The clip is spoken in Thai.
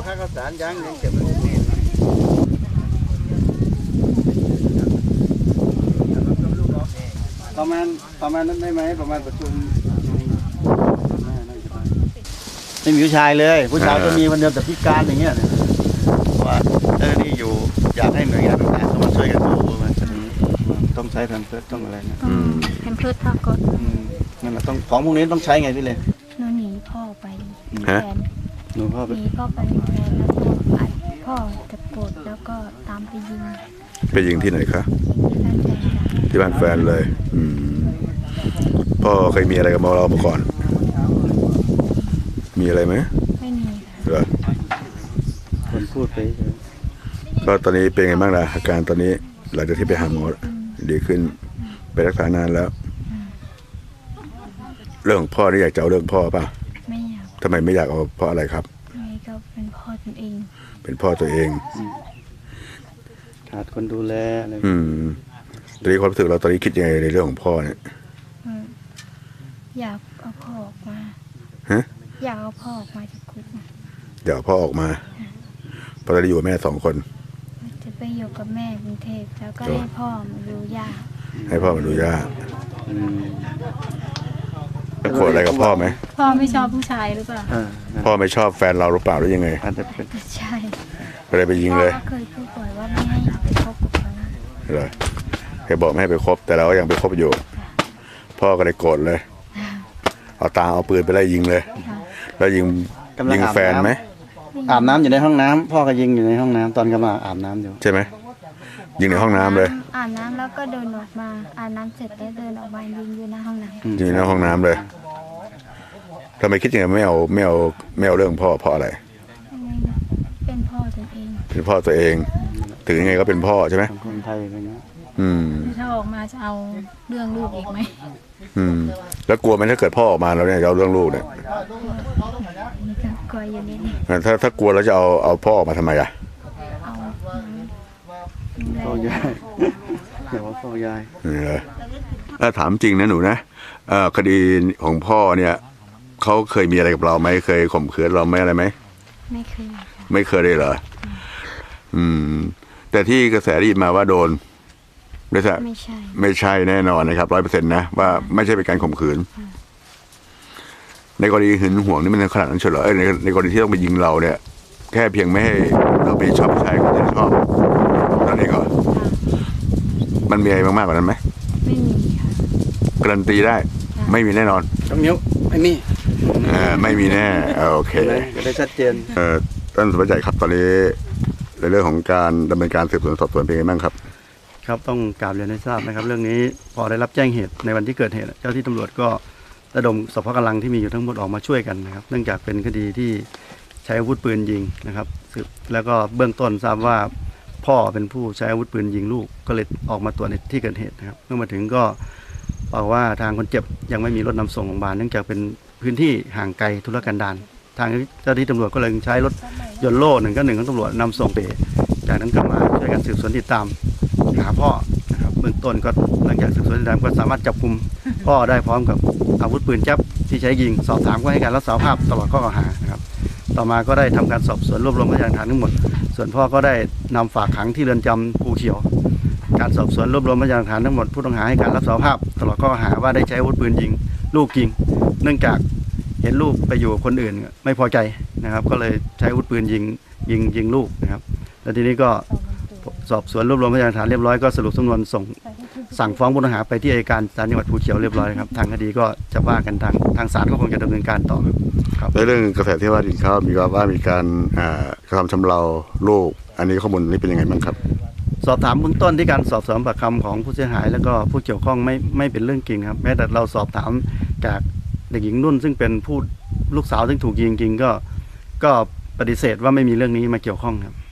ค่าข้าวสารยังเก็บไว้ประมาณนั้นได้ไหมประมาณประชุมไม่มีผู้ชายเลยผู้ชายก็มีวันเดียวแต่พิการอย่างเงี้ยว่านี่อยู่อยากให้หน่วยงานต่างๆเข้ามาช่วยกันดูว่าต้องใช้แพมเพิร์สต้องอะไรนะแพมเพิร์สผ้าก๊อซนั่นแหละต้องของพวกนี้ต้องใช้ไงพี่เลยหนูหนีพ่อไปแฟนหนีพ่อไปแฟนแล้วก็อัดพ่อตะโกรธแล้วก็ตามไปยิงที่ไหนคะที่บ้านแฟนเลยพ่อเคยมีอะไรกับเรามาก่อนมีอะไรไหมไม่มีเหรอคนพูดไปก็ตอนนี้เป็นไงบ้างล่ะอาการตอนนี้หลังจากที่ไปหาหมอดีขึ้นไปรักษานานแล้วเรื่องของพ่อนี่อยากจะเอาเรื่องพ่อป่ะไม่อยากทำไมไม่อยากเอาเพราะอะไรครับไม่ก็เป็นพ่อตัวเองเป็นพ่อตัวเองขาดคนดูแลอะไรตอนนี้ความรู้สึกเราตอนนี้คิดยังไงในเรื่องของพ่อเนี่ยอยากเอาพ่อออกมาอยากเอาพ่อออกมาจากคุกอยากพ่อออกมาเพราะตอนนี้อยู่กับแม่2 คนจะไปอยู่กับแม่กรุงเทพแล้วก็ให้พ่อมาดูย่าให้พ่อมาดูย่าโกรธอะไรกับพ่อไหมพ่อไม่ชอบผู้ชายหรือเปล่าพ่อไม่ชอบแฟนเราหรือเปล่าหรือยังไงใช่ไปเลยไปยิงเลยพ่อเคยพูดบ่อยว่าไม่ให้ไปคบกับเขาเลยเคยบอกไม่ให้ไปคบแต่เราก็ยังไปคบอยู่พ่อก็เลยโกรธเลยเอาปืนไปไล่ยิงเลยแล้วยิงแฟนไหมอาบน้ำอยู่ในห้องน้ำพ่อก็ยิงอยู่ในห้องน้ำตอนกำลังอาบน้ำอยู่ใช่ไหมยิงในห้องน้ำเลยอาบน้ำแล้วก็เดินออกมาอาบน้ำเสร็จแล้วเดินออกมายิงอยู่ในห้องน้ำยิงในห้องน้ำเลยทำไมคิดยังไงไม่เอาเรื่องพ่อเพราะอะไรเป็นพ่อตัวเองเป็นพ่อตัวเองถึงยังไงก็เป็นพ่อใช่ไหมคนไทยอะไรเงี้ยถ้าออกมาจะเอาเรื่องลูกอีกไหมแล้วกลัวไหมถ้าเกิดพ่อออกมาแล้วเนี่ยจะเอาเรื่องลูกเนี่ยกลัวอยู่นิดถ้ากลัวแล้วจะเอาพ่อออกมาทำไมอ่ะพ่อยายเดี๋ยวว่าพ่อยายถามจริงนะหนูนะคดีของพ่อเนี่ยเขาเคยมีอะไรกับเราไหมเคยข่มขืนเราไหมอะไรไหมไม่เคยเลยเหรอแต่ที่กระแสได้ยินมาว่าโดนไม่ใช่แน่นอนนะครับ 100%นะว่าไม่ใช่เป็นการข่มขืนในกรณีหึงหวงนี่มันขนาดนั้นเฉยเหรอในกรณีที่ต้องไปยิงเราเนี่ยแค่เพียงไม่ให้เราไปชอบผู้ชายคนที่ชอบนั่นเองเหรอมันมีอะไรมากกว่านั้นไหมไม่มีค่ะการันตีได้ไม่มีแน่นอนต้องนิ้วไม่มีไม่มีแน่โอเคจะได้ชัดเจนท่านสุภชัยครับตอนนี้ในเรื่องของการดำเนินการสืบสวนสอบสวนเป็นยังไงบ้างครับครับต้องกราบเรียนให้ทราบนะครับเรื่องนี้พอได้รับแจ้งเหตุในวันที่เกิดเหตุเจ้าที่ตำรวจก็ระดมสรรพกำลังที่มีอยู่ทั้งหมดออกมาช่วยกันนะครับเนื่องจากเป็นคดีที่ใช้อาวุธปืนยิงนะครับแล้วก็เบื้องต้นทราบว่าพ่อเป็นผู้ใช้อาวุธปืนยิงลูกก็เลยออกมาตรวจในที่เกิดเหตุนะครับเมื่อมาถึงก็บอกว่าทางคนเจ็บยังไม่มีรถนำส่งโรงพยาบาลเนื่องจากเป็นพื้นที่ห่างไกลธุรกันดารทางเจ้าที่ตำรวจก็เลยใช้รถยนต์โล่191ของตำรวจนำส่งไปจากนั้นก็มาช่วยกันสืบสวนติดตามหาพ่อนะครับเบื้องต้นก็หลังจากสืบสวนติดตามก็สามารถจับกุมพ่อได้พร้อมกับอาวุธปืนแจ๊บที่ใช้ยิงสอบถามก็ให้การรับสารภาพตลอดข้อกล่าวหานะครับต่อมาก็ได้ทำการสอบสวนรวบรวมพยานหลักฐานทั้งหมดส่วนพ่อก็ได้นำฝากขังที่เรือนจำภูเขียวการสอบสวนรวบรวมพยานหลักฐานทั้งหมดผู้ต้องหาให้การรับสารภาพตลอดข้อกล่าวหาว่าได้ใช้อาวุธปืนยิงลูกจริงเนื่องจากเห็นลูกไปอยู่กับคนอื่นไม่พอใจนะครับก็เลยใช้อาวุธปืนยิงลูกนะครับแล้วทีนี้ก็สอบสวนรวบรวมพยานหลักฐานเรียบร้อยก็สรุปสำนวนสั่งฟ้องผู้ต้องหาไปที่อัยการศาลจังหวัดภูเขียวเรียบร้อยครับทางคดีก็จะว่ากันทางศาลก็คงจะดำเนินการต่อครับในเรื่องกระแสที่ว่าดินเขามีว่ามีการกระทำชำเราลูกอันนี้ข้อมูลนี้เป็นยังไงบ้างครับสอบถามเบื้องต้นที่การสอบสวนปากคำของผู้เสียหายแล้วก็ผู้เกี่ยวข้องไม่เป็นเรื่องจริงครับแม้แต่เราสอบถามจากเด็กหญิงนุ่นซึ่งเป็นผู้ลูกสาวซึ่งถูกยิงจริงก็ปฏิเสธว่าไม่มีเรื่องนี้มาเกี่ยวข้องครับ